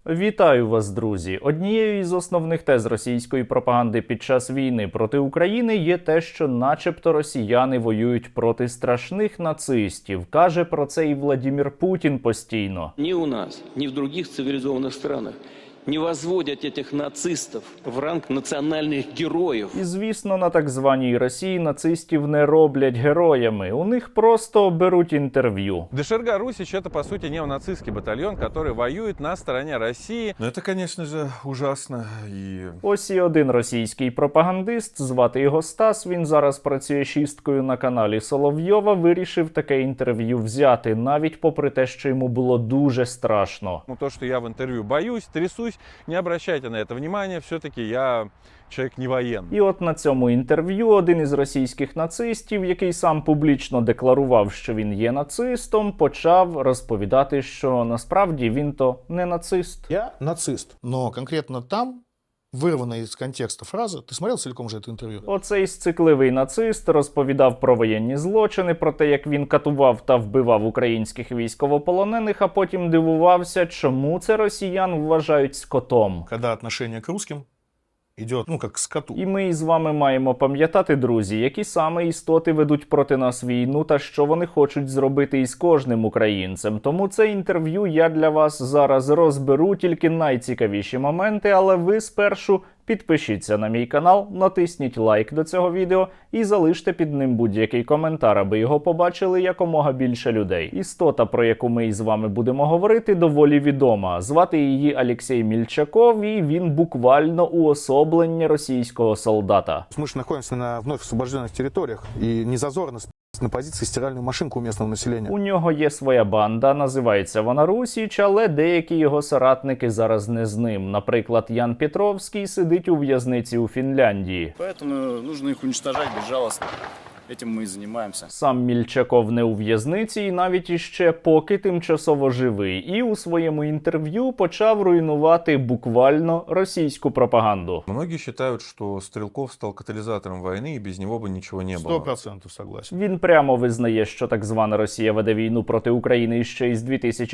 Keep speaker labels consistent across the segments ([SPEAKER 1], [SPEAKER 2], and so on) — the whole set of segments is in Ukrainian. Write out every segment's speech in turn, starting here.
[SPEAKER 1] Вітаю вас, друзі! Однією із основних тез російської пропаганди під час війни проти України є те, що начебто росіяни воюють проти страшних нацистів. Каже про це і Владимир Путін постійно.
[SPEAKER 2] Ні у нас, ні в других цивілізованих странах не возводять этих нацистів в ранг національних героїв.
[SPEAKER 1] І, звісно, на так званій Росії нацистів не роблять героями. У них просто беруть інтерв'ю.
[SPEAKER 3] ДШРГ «Русич» — это, по сути, неонацистский батальон, который воюет на стороне России.
[SPEAKER 4] Ну, это, конечно же, ужасно. И...
[SPEAKER 1] Ось і один російський пропагандист, звати його Стас, він зараз працює шісткою на каналі Соловйова, вирішив таке інтерв'ю взяти, навіть попри те, що йому було дуже страшно.
[SPEAKER 3] Ну, то, что я в интервью боюсь, трясусь, не обращайте на это внимания, все-таки я человек не военный.
[SPEAKER 1] І от на цьому інтерв'ю один із російських нацистів, який сам публічно декларував, що він є нацистом, почав розповідати, що насправді він то не нацист.
[SPEAKER 5] Я нацист.
[SPEAKER 6] Но конкретно там, вырванная из контекста фраза, ты смотрел целиком же это интервью?
[SPEAKER 1] Оцей сцикливий нацист розповідав про воєнні злочини, про те, як він катував та вбивав українських військовополонених, а потім дивувався, чому це росіян вважають скотом.
[SPEAKER 6] Когда отношение к русским идет, ну, как к скоту.
[SPEAKER 1] І ми із вами маємо пам'ятати, друзі, які саме істоти ведуть проти нас війну та що вони хочуть зробити із кожним українцем. Тому це інтерв'ю я для вас зараз розберу, тільки найцікавіші моменти, але ви спершу підпишіться на мій канал, натисніть лайк до цього відео і залиште під ним будь-який коментар, аби його побачили якомога більше людей. Істота, про яку ми із вами будемо говорити, доволі відома. Звати її Олексій Мільчаков, і він буквально уособлення російського солдата.
[SPEAKER 5] Мы же находимся на вновь освобожденных территориях, и не зазорно на позиции стиральную машинку у местного населения.
[SPEAKER 1] У нього є своя банда, називається вона Русіч, але деякі його соратники зараз не з ним. Наприклад, Ян Петровський сидить у в'язниці у Фінляндії.
[SPEAKER 7] Поэтому нужно их уничтожать безжалостно. Этим мы и занимаемся.
[SPEAKER 1] Сам Мільчаков не у в'язниці і навіть іще поки тимчасово живий. І у своєму інтерв'ю почав руйнувати буквально російську пропаганду.
[SPEAKER 4] Многие считают, что Стрелков стал катализатором войны, и без него бы ничего не было.
[SPEAKER 6] 100% согласен.
[SPEAKER 1] Він прямо визнає, що так звана Росія веде війну проти України ще із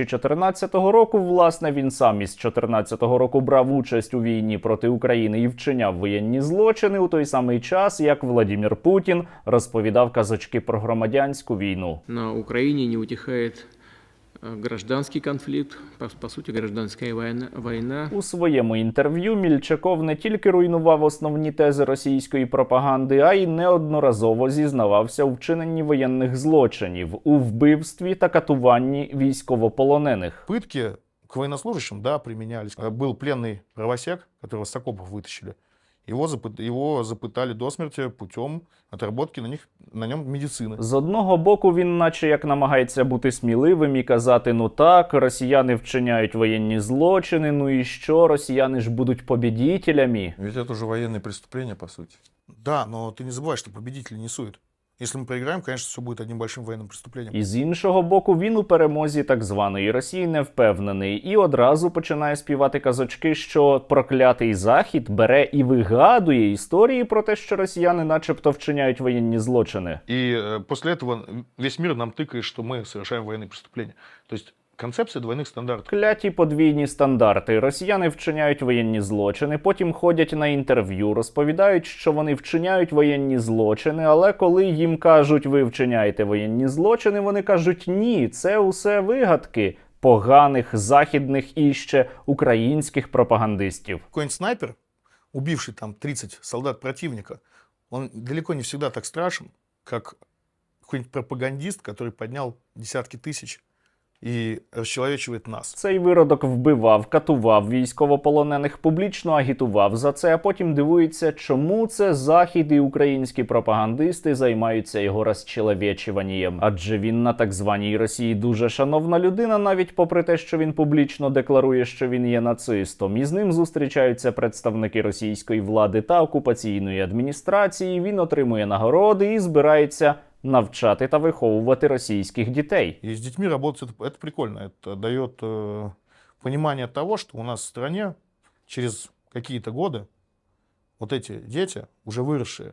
[SPEAKER 1] 2014 року. Власне, він сам із 2014 року брав участь у війні проти України і вчиняв воєнні злочини у той самий час, як Владимир Путін розповідав казочки про громадянську війну.
[SPEAKER 8] На Украине не утихает гражданский конфликт, по сути, гражданская война.
[SPEAKER 1] У своєму інтерв'ю Мільчаков не тільки руйнував основні тези російської пропаганди, а й неодноразово зізнавався у вчиненні воєнних злочинів, у вбивстві та катуванні військовополонених.
[SPEAKER 6] Пытки к военнослужащим, да, применялись. Был пленный правосек, которого с окопов вытащили. Его запытали до смерти путем отработки на нем медицини.
[SPEAKER 1] З одного боку, він наче як намагається бути сміливим і казати, ну так, росіяни вчиняють воєнні злочини, ну і що, росіяни ж будуть победителями.
[SPEAKER 4] Ведь это уже военные преступления, по сути.
[SPEAKER 6] Да, но ты не забывай, что победители не суют. Если мы проиграем, конечно, все будет одним большим военным преступлением.
[SPEAKER 1] І з іншого боку, він у перемозі так званої Росії не впевнений і одразу починає співати казочки, що проклятий Захід бере і вигадує історії про те, що росіяни начебто вчиняють воєнні злочини.
[SPEAKER 6] И после этого весь мир нам тыкает, что мы совершаем военные преступления. То есть концепция двойных стандартов.
[SPEAKER 1] Кляті подвійні стандарти. Росіяни вчиняють воєнні злочини, потім ходять на інтерв'ю, розповідають, що вони вчиняють воєнні злочини, але коли їм кажуть, ви вчиняєте воєнні злочини, вони кажуть, ні, це усе вигадки поганих західних і ще українських пропагандистів.
[SPEAKER 6] Какой-нибудь снайпер, убивший там 30 солдат противника, он далеко не всегда так страшен, как какой-нибудь пропагандист, который поднял десятки тысяч і розчеловечує нас.
[SPEAKER 1] Цей виродок вбивав, катував військовополонених, публічно агітував за це, а потім дивується, чому це Захід і українські пропагандисти займаються його розчеловечуванням. Адже він на так званій Росії дуже шановна людина, навіть попри те, що він публічно декларує, що він є нацистом. І з ним зустрічаються представники російської влади та окупаційної адміністрації, він отримує нагороди і збирається навчати та виховувати російських дітей.
[SPEAKER 6] И с детьми работать это прикольно. Это дает понимание того, что у нас в стране через какие-то годы вот эти дети, уже выросшие,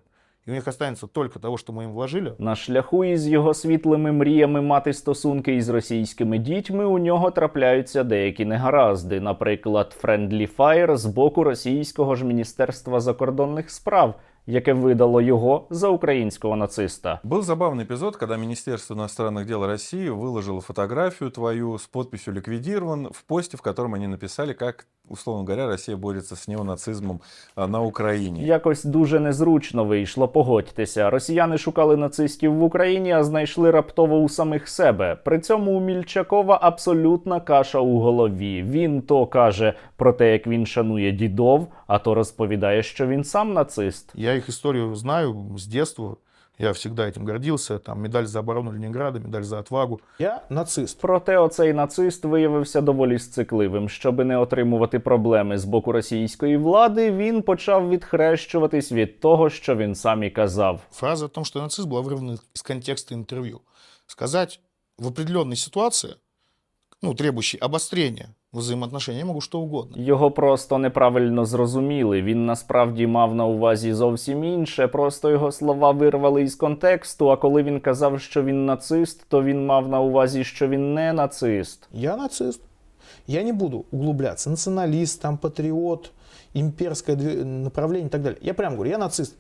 [SPEAKER 6] и у них останется только того, что мы им вложили.
[SPEAKER 1] На шляху із його світлими мріями мати стосунки із російськими дітьми у нього трапляються деякі негаразди. Наприклад, friendly fire з боку російського ж Міністерства закордонних справ, яке видало його за українського нациста.
[SPEAKER 4] Был забавный эпизод, когда Министерство иностранных дел России выложило фотографию твою с подписью «Ликвидирован» в посте, в котором они написали, как, условно говоря, Россия борется с неонацизмом на Украине.
[SPEAKER 1] Якось дуже незручно вийшло, погодьтеся. Росіяни шукали нацистів в Україні, а знайшли раптово у самих себе. При цьому у Мільчакова абсолютна каша у голові. Він то каже про те, як він шанує дідов, а то розповідає, що він сам нацист.
[SPEAKER 6] Я их историю знаю с детства. Я всегда этим гордился. Там медаль за оборону Ленинграда, медаль за отвагу.
[SPEAKER 5] Я нацист.
[SPEAKER 1] Проте оцей нацист виявився доволі сцикливим. Щоби не отримувати проблеми з боку російської влади, він почав відхрещуватись від того, що він сам і казав.
[SPEAKER 6] Фраза о том, что нацист, была вырвана из контекста интервью. Сказать в определенной ситуации, требующей обострения взаимоотношений, я могу что угодно.
[SPEAKER 1] Його просто неправильно зрозуміли. Він насправді мав на увазі зовсім інше, просто його слова вирвали із контексту, а коли він казав, що він нацист, то він мав на увазі, що він не нацист.
[SPEAKER 5] Я нацист. Я не буду углубляться. Националист, там, патриот, имперское направление и так далее. Я прямо говорю, я нацист.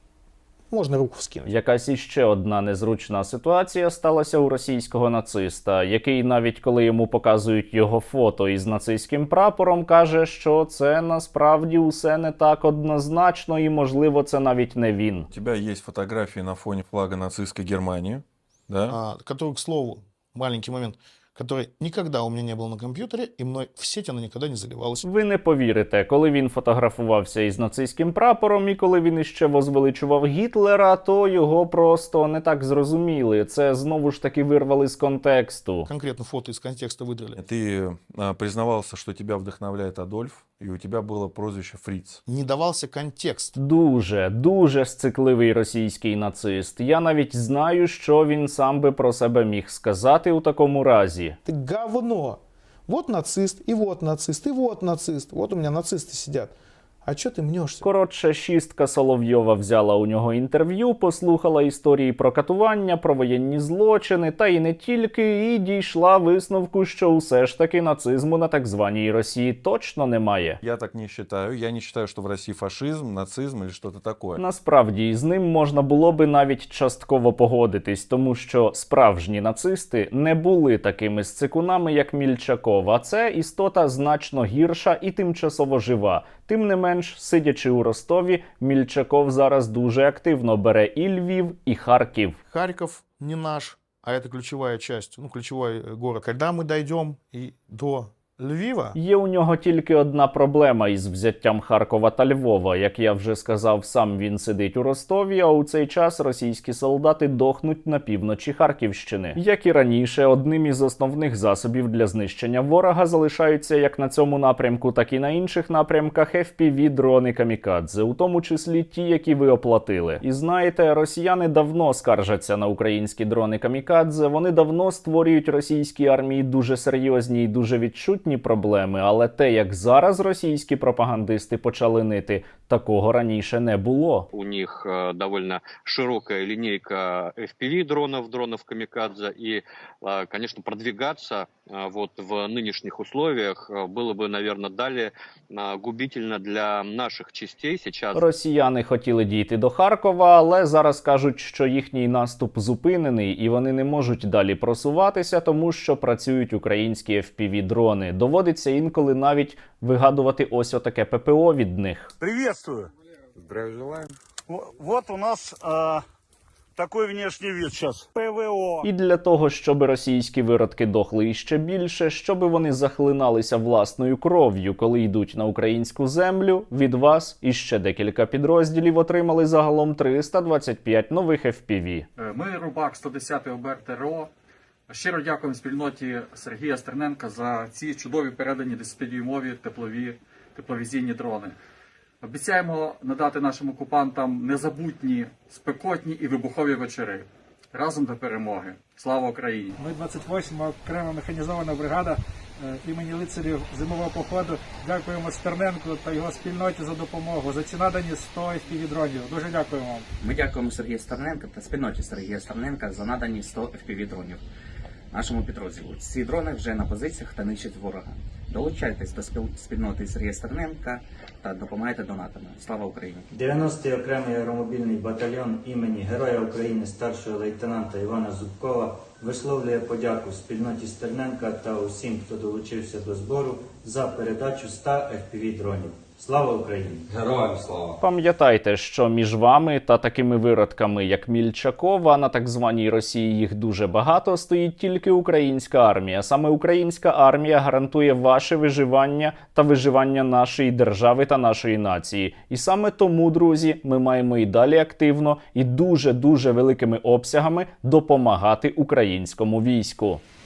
[SPEAKER 5] Можна руку вскинути.
[SPEAKER 1] Якась іще одна незручна ситуація сталася у російського нациста, який навіть коли йому показують його фото із нацистським прапором, каже, що це насправді усе не так однозначно і, можливо, це навіть не він.
[SPEAKER 4] У тебя есть фотографии на фоне флага нацистской Германии, да?
[SPEAKER 6] Который, к слову, маленький момент, который никогда у меня не был на компьютере, и мной в сеть она никогда не заливалась.
[SPEAKER 1] Ви не повірите, коли він фотографувався із нацистським прапором і коли він іще возвеличував Гітлера, то його просто не так зрозуміли. Це знову ж таки вирвали з контексту.
[SPEAKER 6] Конкретно фото из контекста выдрали.
[SPEAKER 4] Ты признавался, что тебя вдохновляет Адольф, и у тебя было прозвище Фриц.
[SPEAKER 6] Не давался контекст.
[SPEAKER 1] Дуже сцикливий російський нацист. Я навіть знаю, що він сам би про себе міг сказати у такому разі.
[SPEAKER 5] Ты говно. Вот нацист, и вот нацист, и вот нацист. Вот у меня нацисты сидят. А чё ты мнешься?
[SPEAKER 1] Коротше, шістка Соловйова взяла у нього інтерв'ю, послухала історії про катування, про воєнні злочини, та й не тільки, і дійшла висновку, що усе ж таки нацизму на так званій Росії точно немає.
[SPEAKER 4] Я так не считаю. Я не считаю, что в России фашизм, нацизм или что-то такое.
[SPEAKER 1] Насправді, із ним можна було би навіть частково погодитись, тому що справжні нацисти не були такими сцикунами, як Мільчаков, а це істота значно гірша і тимчасово жива. Тим не менш, сидячи у Ростові, Мільчаков зараз дуже активно бере і Львів, і Харків.
[SPEAKER 6] Харьков не наш, а это ключевая часть, ключевой город. Когда мы дойдем и до Львіва.
[SPEAKER 1] Є у нього тільки одна проблема із взяттям Харкова та Львова. Як я вже сказав, сам він сидить у Ростові, а у цей час російські солдати дохнуть на півночі Харківщини. Як і раніше, одним із основних засобів для знищення ворога залишаються як на цьому напрямку, так і на інших напрямках FPV-дрони камікадзе, у тому числі ті, які ви оплатили. І знаєте, росіяни давно скаржаться на українські дрони камікадзе, вони давно створюють російській армії дуже серйозні і дуже відчутні проблеми, але те, як зараз російські пропагандисти почали нити, такого раніше не було.
[SPEAKER 9] У них довольно широкая линейка FPV-дронов, дронов камикадзе, и, конечно, продвигаться вот в нынешних условиях было бы, наверное, далее губительно для наших частей сейчас.
[SPEAKER 1] Росіяни хотіли дійти до Харкова, але зараз кажуть, що їхній наступ зупинений і вони не можуть далі просуватися, тому що працюють українські FPV-дрони. Доводиться інколи навіть вигадувати ось отаке ППО від них.
[SPEAKER 10] Приветствую.
[SPEAKER 3] Здравия желаем.
[SPEAKER 10] Вот у нас такой внешний вид сейчас. ПВО.
[SPEAKER 1] І для того, щоб російські виродки дохли іще більше, щоб вони захлиналися власною кров'ю, коли йдуть на українську землю, від вас іще декілька підрозділів отримали загалом 325 нових FPV.
[SPEAKER 11] Ми, Рубак, 110-й ОБР ТРО. Щиро дякуємо спільноті Сергія Стерненка за ці чудові передані 10-дюймові тепловізійні дрони. Обіцяємо надати нашим окупантам незабутні, спекотні і вибухові вечори. Разом до перемоги. Слава Україні!
[SPEAKER 12] Ми 28-ма окрема механізована бригада імені лицарів зимового походу. Дякуємо Стерненку та його спільноті за допомогу, за ці надані 100 FPV-дронів. Дуже дякуємо вам.
[SPEAKER 13] Ми дякуємо Сергію Стерненка та спільноті Сергія Стерненка за надані 100 FPV-дронів нашому підрозділу. Ці дрони вже на позиціях та нищать ворога. Долучайтесь до спільноти Сергія Стерненка та допомагайте донатами. Слава Україні!
[SPEAKER 14] 90-й окремий аеромобільний батальйон імені Героя України старшого лейтенанта Івана Зубкова висловлює подяку спільноті Стерненка та усім, хто долучився до збору за передачу 100 FPV-дронів. Слава Україні!
[SPEAKER 15] Героям слава!
[SPEAKER 1] Пам'ятайте, що між вами та такими виродками, як Мільчакова, на так званій Росії їх дуже багато, стоїть тільки українська армія. Саме українська армія гарантує ваше виживання та виживання нашої держави та нашої нації. І саме тому, друзі, ми маємо і далі активно і дуже-дуже великими обсягами допомагати українському війську.